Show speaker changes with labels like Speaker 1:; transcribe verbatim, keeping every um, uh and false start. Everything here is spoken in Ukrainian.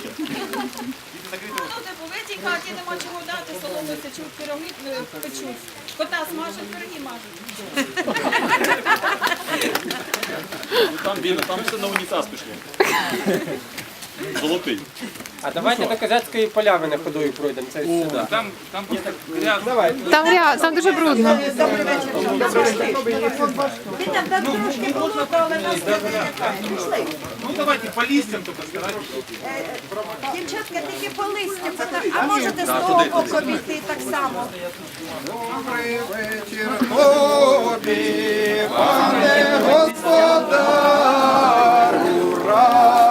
Speaker 1: вечір.
Speaker 2: Ну, типу, в цій хаті нема чого дати, соломи сечуть, пироги е, печуть. Кота смажуть, пироги мажуть.
Speaker 1: Ну, там, Біна, там все на унітаз пішло. Золотий.
Speaker 3: А давайте до Козацької полями на ходою пройдемо. Це сюди.
Speaker 4: Там, там просто грязно.
Speaker 3: Давайте.
Speaker 5: Там, ря- там дуже брудно.
Speaker 4: Ну давайте по листям только старайтесь.
Speaker 6: Дівчатка, тільки по листю, а можете з того боку обійти так само.
Speaker 7: Добрий вечір тобі, пане господар, ура!